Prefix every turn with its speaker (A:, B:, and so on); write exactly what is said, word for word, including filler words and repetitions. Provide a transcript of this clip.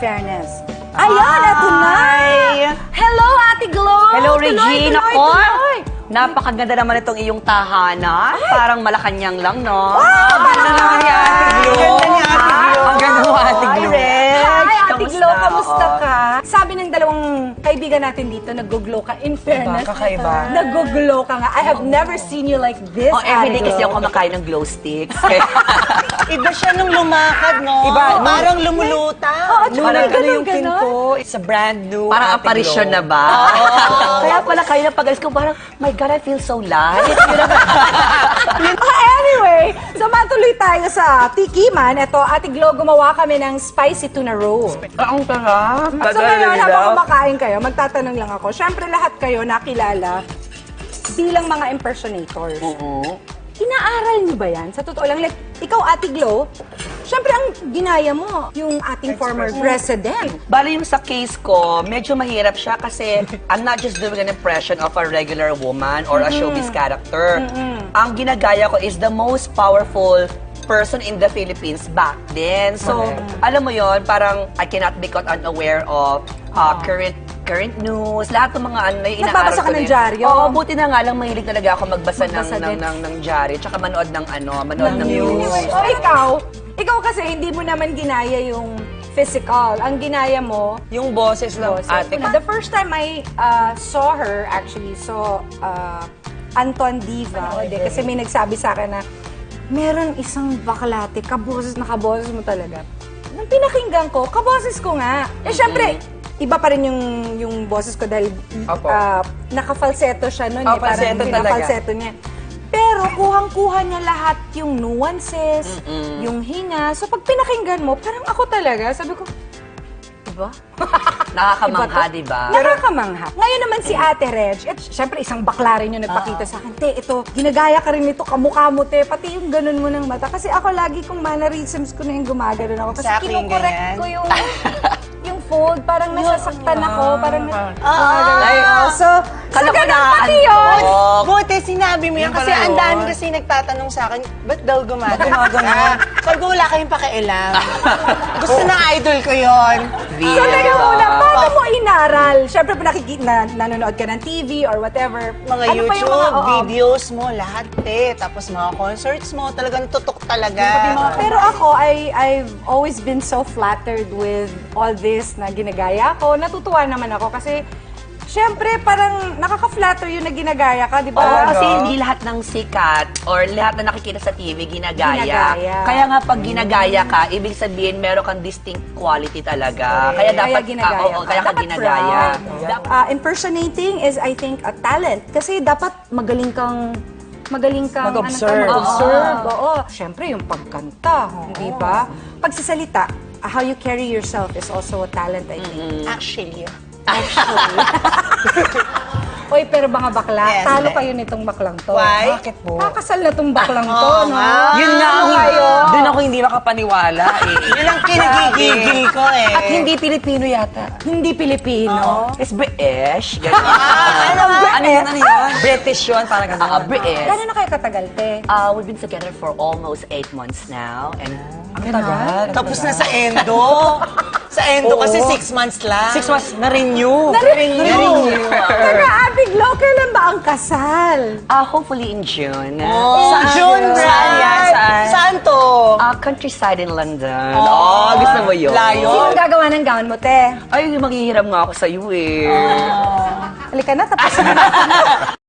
A: fairness. Ayan, eto na! Hello, Ate Glo!
B: Hello,
A: Tuloy,
B: Regine!
A: tuloy,
B: Ako,
A: tuloy.
B: napakaganda naman itong iyong tahanan. Parang Malacanang lang, no?
A: Wow!
B: Ang ganda naman ni Ate Glo.
C: Ganda ni Ate Glo.
B: Ang ganda mo, Ate
A: Hi,
B: Glo.
A: Rex! Hi, Ate
B: Kamusta?
A: Glo! Kamusta
B: Oo.
A: ka? Sabi ng dalawang kaibigan natin dito, nag-glow ka. In fairness,
C: kakaiba.
A: nag-glow ka nga. I have never seen you like this,
B: Oh, everyday
A: Ate
B: kasi
A: Glo.
B: ako kumakain ng glow sticks.
C: Iba siya nung lumakad, no?
B: Iba, no?
C: Parang lumuluta.
A: Oo, tsaka
C: Parang
A: ganun,
C: ano yung
A: ganun.
C: pinto. It's a brand new
B: Parang
C: Ate
B: apparition
C: Glo.
B: na ba? Kaya pala kayo na pag-alis ko, parang, my God, I feel so light.
A: Anyway, so matuloy tayo sa tikiman. Ito, Ate Glo, gumawa kami ng spicy tuna roll.
B: Ang sarap.
A: So ngayon, habang kumakain kayo, magtatanong lang ako. Siyempre, lahat kayo nakilala bilang mga impersonators.
B: Oo.
A: Inaaral niyo ba yan? Sa totoo lang, like, ikaw, Ate Glo, siyempre ang ginaya mo, yung ating former president.
B: Bali yung sa case ko, medyo mahirap siya kasi I'm not just doing an impression of a regular woman or a showbiz character. Ang ginagaya ko is the most powerful person in the Philippines back then. So, alam mo yon, parang I cannot be caught unaware of uh, current current news, lahat ng mga ano, may inaaral
A: Nagbabasa ka
B: ko
A: ng
B: din.
A: dyaryo?
B: Oo, buti na nga lang mahilig talaga ako magbasa,
A: Magbasa
B: ng, ng,
A: din.
B: ng, ng dyaryo, tsaka manood ng ano, manood ng, news.
A: Anyway, o ikaw, ikaw kasi hindi mo naman ginaya yung physical. Ang ginaya mo,
C: Yung boses lang,
A: boses.
C: ate.
A: The first time I uh, saw her, actually, saw uh, Anton Diva. Hindi, kasi may nagsabi sa akin na meron isang baklate, kaboses na kaboses mo talaga. Nung pinakinggan ko, kaboses ko nga. Eh, syempre, iba pa rin yung, yung boses ko dahil
C: Opo.
A: uh, naka-falsetto siya nun.
C: Oh,
A: eh, parang
C: falsetto talaga.
A: pinaka-falsetto niya. Pero kuhang-kuha niya lahat yung nuances, yung hinga. So pag pinakinggan mo, parang ako talaga, sabi ko, diba?
B: Nakakamangha,
A: Iba to?
B: di ba?
A: Nakakamangha. Ngayon naman si Ate Reg, at syempre isang bakla rin yung nagpakita sa akin, te, ito, ginagaya ka rin ito, kamukha mo, te, pati yung ganun mo ng mata. Kasi ako lagi kong mannerisms ko na yung gumagano ako. Kasi
C: Exactly,
A: kinukorek
C: ganyan.
A: ko yung yung fold, parang nasasaktan ako, parang
C: Ah.
A: Ay, oh, so,
B: Kala
A: so
B: ko
A: ganun pati yun.
B: nakaantok.
C: Buti, sinabi mo yan
B: Yun
C: kasi
B: pala
C: ang
B: yun.
C: dami kasi nagtatanong sa akin, ba't daw gumagano? Ah, Sabi ko, wala kayong pakialam. Gusto ng idol ko yon.
A: So, teka muna, paano mo inaral? Syempre, pa nakikita, na, nanonood ka ng T V or whatever.
C: Mga
A: Ano pa yung
C: YouTube,
A: mga- oo.
C: videos mo, lahat eh. Tapos mga concerts mo, talagang tutok talaga.
A: Pero ako, I, I've always been so flattered with all this na ginagaya ko. Natutuwa naman ako kasi, syempre, parang nakaka-flatter yun na ginagaya ka, di ba?
B: Oo, kasi
C: no?
B: hindi lahat ng sikat or lahat na nakikita sa T V ginagaya.
A: Ginagaya.
B: Kaya nga pag ginagaya ka, ibig sabihin meron kang distinct quality talaga.
A: Kaya
B: Kaya dapat
A: ginagaya
B: ah, oo,
A: ka.
B: kaya ka
A: Dapat
B: ginagaya.
A: proud.
B: Dapat-
A: Uh, impersonating is, I think, a talent. Kasi dapat magaling kang magaling kang
C: Mag-observe.
A: Ano, ka, mag-observe. Oo. Siyempre, yung pagkanta, di ba? Pagsasalita, uh, how you carry yourself is also a talent, I think.
C: Actually.
A: Oy, pero mga bakla,
C: Yes,
A: talo
C: eh.
A: kayo nitong baklang to.
C: Why?
B: Bakit po?
A: Kakasal na tong baklang to,
C: Oo
A: no?
C: nga.
B: Yun nga,
A: Ano
B: ang-
A: kayo?
B: doon ako hindi makapaniwala eh.
C: Yun ang kinagigigil ko eh.
B: At hindi Pilipino yata.
A: Hindi Pilipino.
B: It's British. Ganun.
C: ano nga?
B: ano yun, ano yun? British yun, parang ganun. Ah, British.
A: Gano'n na kayo katagal, te?
B: Uh, we've been together for almost eight months now. And ang tagal.
C: Tapos na sa endo. Sa endo kasi
B: Oo.
C: six months lang.
B: Six months, na-renew.
A: Na-renew. Teka, Ate Glo, kailan ba ang kasal?
B: Uh, hopefully in June.
C: Oh,
A: Saan
C: June,
A: yun?
C: right?
B: Saan yan? Saan?
C: Saan to?
B: Uh, countryside in London. Oh, gusto mo yun?
C: Layo.
A: Sino gagawa ng gown mo, te?
B: Ay, maghihiram nga ako sa'yo eh.
A: Halika na, tapos na.